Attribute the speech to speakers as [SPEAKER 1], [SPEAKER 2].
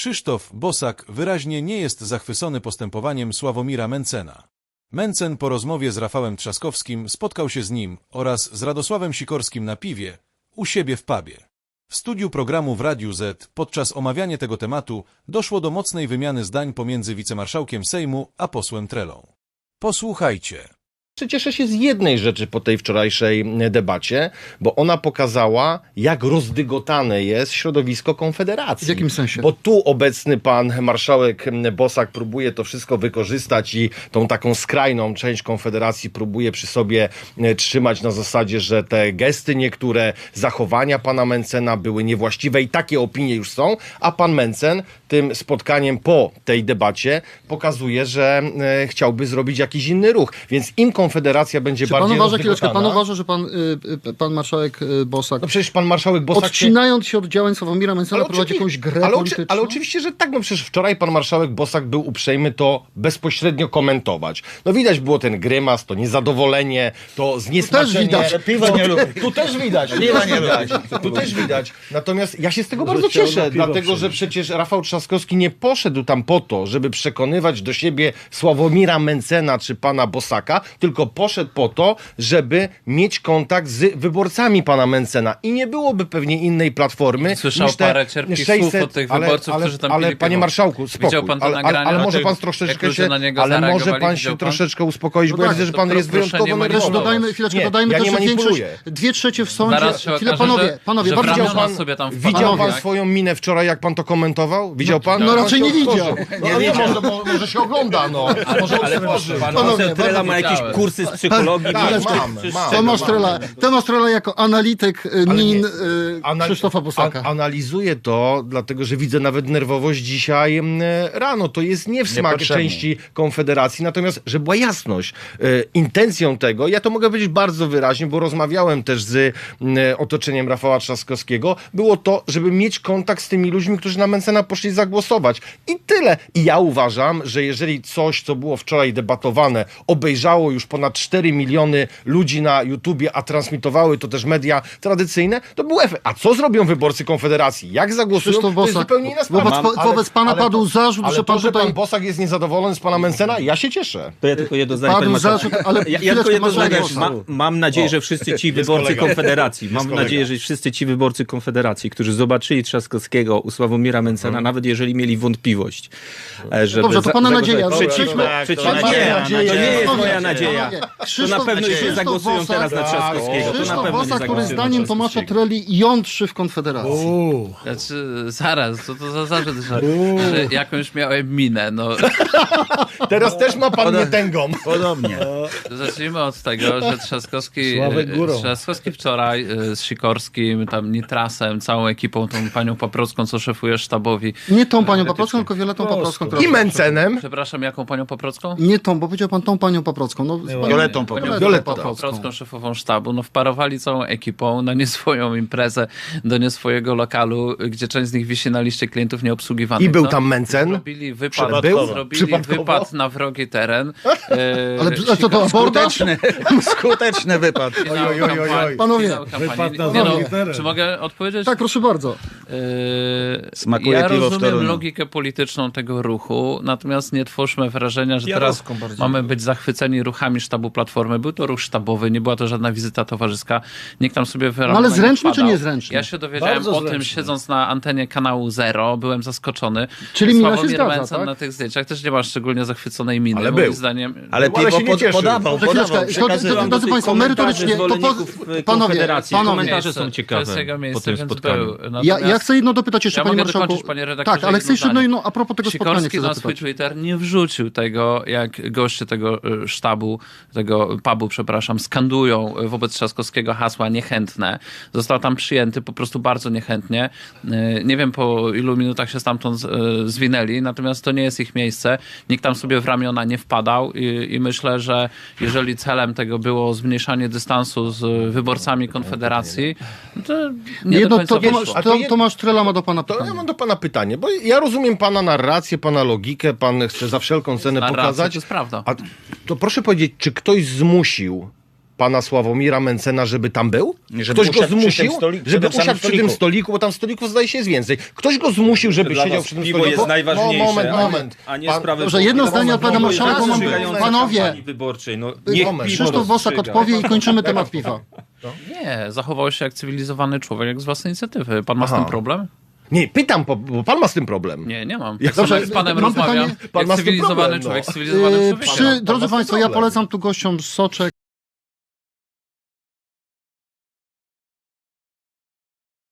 [SPEAKER 1] Krzysztof Bosak wyraźnie nie jest zachwycony postępowaniem Sławomira Mentzena. Mentzen po rozmowie z Rafałem Trzaskowskim spotkał się z nim oraz z Radosławem Sikorskim na piwie u siebie w pubie. W studiu programu w Radiu Z podczas omawiania tego tematu doszło do mocnej wymiany zdań pomiędzy wicemarszałkiem Sejmu a posłem Trelą. Posłuchajcie.
[SPEAKER 2] Cieszę się z jednej rzeczy po tej wczorajszej debacie, bo ona pokazała, jak rozdygotane jest środowisko Konfederacji.
[SPEAKER 3] W jakim sensie?
[SPEAKER 2] Bo tu obecny pan marszałek Bosak próbuje to wszystko wykorzystać i tą taką skrajną część Konfederacji próbuje przy sobie trzymać na zasadzie, że te gesty niektóre, zachowania pana Mentzena były niewłaściwe i takie opinie już są, a pan Mentzen tym spotkaniem po tej debacie pokazuje, że chciałby zrobić jakiś inny ruch. Więc im Konfederacja będzie
[SPEAKER 3] Czy
[SPEAKER 2] bardziej
[SPEAKER 3] pan uważa,
[SPEAKER 2] rozdygotana.
[SPEAKER 3] pan uważa, że pan marszałek Bosak,
[SPEAKER 2] No przecież pan marszałek Bosak
[SPEAKER 3] odcinając się od działań Sławomira Mentzena, prowadzi jakąś grę polityczną?
[SPEAKER 2] Ale oczywiście, że tak. No przecież wczoraj pan marszałek Bosak był uprzejmy to bezpośrednio komentować. No widać było ten grymas, to niezadowolenie, to zniesmaczenie. Tu też widać. Tu też widać. Natomiast ja się z tego bardzo cieszę, dlatego że przecież Rafał Trzaskowski nie poszedł tam po to, żeby przekonywać do siebie Sławomira Mentzena czy pana Bosaka, tylko poszedł po to, żeby mieć kontakt z wyborcami pana Mentzena. I nie byłoby pewnie innej platformy.
[SPEAKER 4] Słyszał
[SPEAKER 2] niż te
[SPEAKER 4] parę cierpkich słów od tych wyborców, którzy tam pili
[SPEAKER 2] panie
[SPEAKER 4] piwo.
[SPEAKER 2] marszałku, spokój.
[SPEAKER 4] Widział pan to nagranie
[SPEAKER 2] ale
[SPEAKER 4] o
[SPEAKER 2] może
[SPEAKER 4] tym,
[SPEAKER 2] pan
[SPEAKER 4] jak
[SPEAKER 2] troszeczkę
[SPEAKER 4] ludzie
[SPEAKER 2] się,
[SPEAKER 4] na niego
[SPEAKER 2] ale może
[SPEAKER 4] zareagowali,
[SPEAKER 2] pan
[SPEAKER 4] widział
[SPEAKER 2] się
[SPEAKER 4] pan?
[SPEAKER 2] troszeczkę uspokoić, bo ja
[SPEAKER 3] tak,
[SPEAKER 2] widzę, że
[SPEAKER 4] to
[SPEAKER 2] pan jest
[SPEAKER 4] proszę
[SPEAKER 2] wyjątkowo
[SPEAKER 4] nie
[SPEAKER 2] nerwowy.
[SPEAKER 4] manipulować.
[SPEAKER 3] Dodajmy
[SPEAKER 2] ja
[SPEAKER 3] też,
[SPEAKER 2] nie
[SPEAKER 3] że
[SPEAKER 2] manipuluję.
[SPEAKER 3] większość, 2/3 w sądzie.
[SPEAKER 4] Zaraz się
[SPEAKER 3] Chwilę,
[SPEAKER 4] okaże,
[SPEAKER 3] panowie,
[SPEAKER 4] że
[SPEAKER 3] bardzo
[SPEAKER 4] wramiona
[SPEAKER 3] pan,
[SPEAKER 4] sobie tam
[SPEAKER 2] Widział
[SPEAKER 4] wpadł,
[SPEAKER 2] pan
[SPEAKER 4] jak?
[SPEAKER 2] swoją minę wczoraj, jak pan to komentował? Widział pan?
[SPEAKER 3] no
[SPEAKER 2] Pan
[SPEAKER 3] raczej
[SPEAKER 2] się
[SPEAKER 3] nie
[SPEAKER 2] otworzył.
[SPEAKER 3] widział.
[SPEAKER 2] Może się ogląda, no. Może otworzy.
[SPEAKER 3] Panowie,
[SPEAKER 5] Trela ma jakieś
[SPEAKER 4] widziałem.
[SPEAKER 5] kursy z psychologii.
[SPEAKER 2] Tak,
[SPEAKER 3] Tomasz Trela jako analityk min Krzysztofa Bosaka.
[SPEAKER 2] Analizuję to, dlatego że widzę nawet nerwowość dzisiaj rano. To jest nie w smak
[SPEAKER 5] Niepotrzebnie.
[SPEAKER 2] części Konfederacji, natomiast, że była jasność. Intencją tego, ja to mogę powiedzieć bardzo wyraźnie, bo rozmawiałem też z otoczeniem Rafała Trzaskowskiego, było to, żeby mieć kontakt z tymi ludźmi, którzy na Mentzena poszli zagłosować. I tyle. I ja uważam, że jeżeli coś, co było wczoraj debatowane, obejrzało już ponad 4 miliony ludzi na YouTubie, a transmitowały to też media tradycyjne, to był efekt. A co zrobią wyborcy Konfederacji? Jak zagłosują?
[SPEAKER 3] Krzysztof
[SPEAKER 2] To jest
[SPEAKER 3] Bosak,
[SPEAKER 2] zupełnie inna sprawa.
[SPEAKER 3] wobec pana padł zarzut,
[SPEAKER 2] ale
[SPEAKER 3] że pan
[SPEAKER 2] to, że
[SPEAKER 3] tutaj...
[SPEAKER 2] pan Bosak jest niezadowolony z pana Mentzena, ja się cieszę.
[SPEAKER 5] To ja tylko jedno zdanie, panie
[SPEAKER 3] Padł
[SPEAKER 5] marszałku.
[SPEAKER 3] zarzut, ale
[SPEAKER 5] Ja
[SPEAKER 3] chwileczkę,
[SPEAKER 5] tylko jedno zdanie.
[SPEAKER 3] marszałek.
[SPEAKER 5] Mam nadzieję, że wszyscy ci wyborcy
[SPEAKER 2] kolega.
[SPEAKER 5] Konfederacji, mam
[SPEAKER 2] kolega.
[SPEAKER 5] nadzieję, że wszyscy ci wyborcy Konfederacji, którzy zobaczyli Trzaskowskiego u Sławomira Mentzena, nawet jeżeli mieli wątpliwość, żeby...
[SPEAKER 3] Dobrze, to pana nadzieja.
[SPEAKER 5] Przeciwko,
[SPEAKER 3] Pan
[SPEAKER 5] nie,
[SPEAKER 3] ma nadzieję.
[SPEAKER 5] to nie jest
[SPEAKER 3] Panowie,
[SPEAKER 5] moja nadzieja.
[SPEAKER 3] panowie,
[SPEAKER 5] To
[SPEAKER 3] Krzysztof-
[SPEAKER 5] na pewno już nie
[SPEAKER 3] Krzysztof
[SPEAKER 5] zagłosują
[SPEAKER 3] Bosak-
[SPEAKER 5] teraz na Trzaskowskiego. To na
[SPEAKER 3] Krzysztof
[SPEAKER 5] pewno nie
[SPEAKER 3] Bosak, który
[SPEAKER 5] zagłosują na
[SPEAKER 3] zdaniem Tomasza
[SPEAKER 5] Trzaskowskiego.
[SPEAKER 3] Treli jątrzy w Konfederacji.
[SPEAKER 4] Znaczy, zaraz, co to za zarzut, że jakąś miałem minę, no.
[SPEAKER 2] Teraz też ma pan nietęgą.
[SPEAKER 5] Podobnie.
[SPEAKER 4] Zacznijmy od tego, że Trzaskowski wczoraj z Sikorskim, tam Nitrasem, całą ekipą, tą panią Paprocką, co szefuje sztabowi.
[SPEAKER 3] Nie tą panią Paprocką, tylko Violettą Paprocką. która-
[SPEAKER 2] I Mentzenem.
[SPEAKER 4] Przepraszam, jaką panią Paprocką?
[SPEAKER 3] Nie tą, bo powiedział pan tą panią Paprocką. No,
[SPEAKER 5] Violettą
[SPEAKER 4] Panią
[SPEAKER 2] Violettą
[SPEAKER 4] Paprocką, szefową sztabu. No wparowali całą ekipą na nie swoją imprezę, do nie swojego lokalu, gdzie część z nich wisi na liście klientów nieobsługiwanych.
[SPEAKER 2] I był
[SPEAKER 4] No.
[SPEAKER 2] tam Mentzen.
[SPEAKER 4] Zrobili wypad,
[SPEAKER 2] Przypadkowo.
[SPEAKER 4] wypad na wrogi teren.
[SPEAKER 3] Ale co to, abordaż?
[SPEAKER 5] Skuteczny wypad.
[SPEAKER 3] Panowie,
[SPEAKER 4] Wypad na
[SPEAKER 3] wrogi
[SPEAKER 4] Czy mogę odpowiedzieć?
[SPEAKER 3] Tak, proszę bardzo.
[SPEAKER 5] Smakuje
[SPEAKER 4] Ja
[SPEAKER 5] piwo w
[SPEAKER 4] rozumiem
[SPEAKER 5] Toruniu.
[SPEAKER 4] logikę polityczną tego ruchu, natomiast nie twórzmy wrażenia, że teraz mamy być zachwyceni ruchami sztabu Platformy. Był to ruch sztabowy, nie była to żadna wizyta towarzyska. Nikt tam sobie
[SPEAKER 3] No ale zręczny czy
[SPEAKER 4] wpadał.
[SPEAKER 3] niezręczny?
[SPEAKER 4] Ja się dowiedziałem o tym, siedząc na antenie kanału Zero. Byłem zaskoczony.
[SPEAKER 3] Czyli mina się
[SPEAKER 4] Sławomir
[SPEAKER 3] zgadza,
[SPEAKER 4] Mentzen
[SPEAKER 3] tak?
[SPEAKER 4] na tych zdjęciach też nie ma szczególnie zachwyconej miny.
[SPEAKER 2] Ale
[SPEAKER 4] moim
[SPEAKER 2] był.
[SPEAKER 4] zdaniem.
[SPEAKER 5] Ale
[SPEAKER 2] No, ale
[SPEAKER 5] piwo
[SPEAKER 2] się nie cieszył.
[SPEAKER 5] podawał.
[SPEAKER 3] Chwileczkę,
[SPEAKER 5] Przekazywał
[SPEAKER 3] drodzy
[SPEAKER 5] do
[SPEAKER 3] państwo,
[SPEAKER 5] komentarzy
[SPEAKER 3] merytorycznie, to
[SPEAKER 5] zwolenników
[SPEAKER 3] panowie,
[SPEAKER 5] Konfederacji.
[SPEAKER 3] panowie.
[SPEAKER 5] Komentarze są
[SPEAKER 4] To jest
[SPEAKER 5] ciekawe
[SPEAKER 4] jego
[SPEAKER 5] po
[SPEAKER 4] miejsce,
[SPEAKER 5] tym
[SPEAKER 4] więc
[SPEAKER 5] spotkaniu.
[SPEAKER 4] był.
[SPEAKER 3] Ja
[SPEAKER 4] Natomiast
[SPEAKER 3] chcę jedno dopytać jeszcze,
[SPEAKER 4] ja
[SPEAKER 3] panie
[SPEAKER 4] mogę
[SPEAKER 3] marszałku.
[SPEAKER 4] dokończyć, panie redaktorze,
[SPEAKER 3] Tak, ale chcę jeszcze
[SPEAKER 4] jedno zdanie.
[SPEAKER 3] a propos tego spotkania
[SPEAKER 4] Sikorski
[SPEAKER 3] chcę
[SPEAKER 4] na
[SPEAKER 3] zapytać.
[SPEAKER 4] swój Twitter nie wrzucił tego, jak goście tego sztabu, tego pubu, przepraszam, skandują wobec Trzaskowskiego hasła niechętne. Został tam przyjęty po prostu bardzo niechętnie. Nie wiem, po ilu minutach się stamtąd zwinęli, natomiast to nie jest ich miejsce. Nikt tam sobie w ramiona nie wpadał i myślę, że jeżeli celem tego było zmniejszanie dystansu z wyborcami Konfederacji, to nie do
[SPEAKER 3] Jedno,
[SPEAKER 4] końca wyszło.
[SPEAKER 3] Tomasz Trela ma do pana
[SPEAKER 2] To ja
[SPEAKER 3] pytanie.
[SPEAKER 2] mam do pana pytanie, bo ja rozumiem pana narrację, pana logikę, pan chce za wszelką cenę
[SPEAKER 4] Narracja,
[SPEAKER 2] pokazać.
[SPEAKER 4] to jest prawda.
[SPEAKER 2] A to proszę powiedzieć, czy ktoś zmusił pana Sławomira Mencena, żeby tam był?
[SPEAKER 6] Żeby
[SPEAKER 2] Ktoś go
[SPEAKER 6] usiadł przy tym
[SPEAKER 2] zmusił,
[SPEAKER 6] stoliku,
[SPEAKER 2] żeby
[SPEAKER 6] przy tym
[SPEAKER 2] usiadł przy tym stoliku, bo tam stolików zdaje się jest więcej. Ktoś go zmusił, żeby
[SPEAKER 5] Dla
[SPEAKER 2] siedział
[SPEAKER 5] was
[SPEAKER 2] przy tym
[SPEAKER 5] piwo
[SPEAKER 2] stoliku.
[SPEAKER 5] jest najważniejsze,
[SPEAKER 2] Moment.
[SPEAKER 5] a nie sprawy...
[SPEAKER 3] Dobrze, jedno zdanie od pana marszałka, bo mam- panowie,
[SPEAKER 5] kampanii wyborczej. No, niech piwo
[SPEAKER 3] Krzysztof Bosak
[SPEAKER 5] rozstrzyga.
[SPEAKER 3] odpowie i kończymy temat piwa.
[SPEAKER 4] Nie, zachował się jak cywilizowany człowiek, jak z własnej inicjatywy. Pan ma z tym problem?
[SPEAKER 2] Nie, pytam, bo pan ma z tym problem.
[SPEAKER 4] Nie mam.
[SPEAKER 2] Jak
[SPEAKER 4] Tak samo
[SPEAKER 3] dobrze,
[SPEAKER 4] jak z panem
[SPEAKER 3] mam
[SPEAKER 4] rozmawiam,
[SPEAKER 3] pytanie.
[SPEAKER 2] Pan
[SPEAKER 4] jak
[SPEAKER 2] ma z tym
[SPEAKER 4] cywilizowany
[SPEAKER 2] problem, no.
[SPEAKER 4] człowiek z cywilizowanym człowiekiem.
[SPEAKER 2] Pan ma
[SPEAKER 3] Drodzy
[SPEAKER 2] z tym
[SPEAKER 3] Państwo, ja
[SPEAKER 2] problem.
[SPEAKER 3] polecam tu gościom soczek.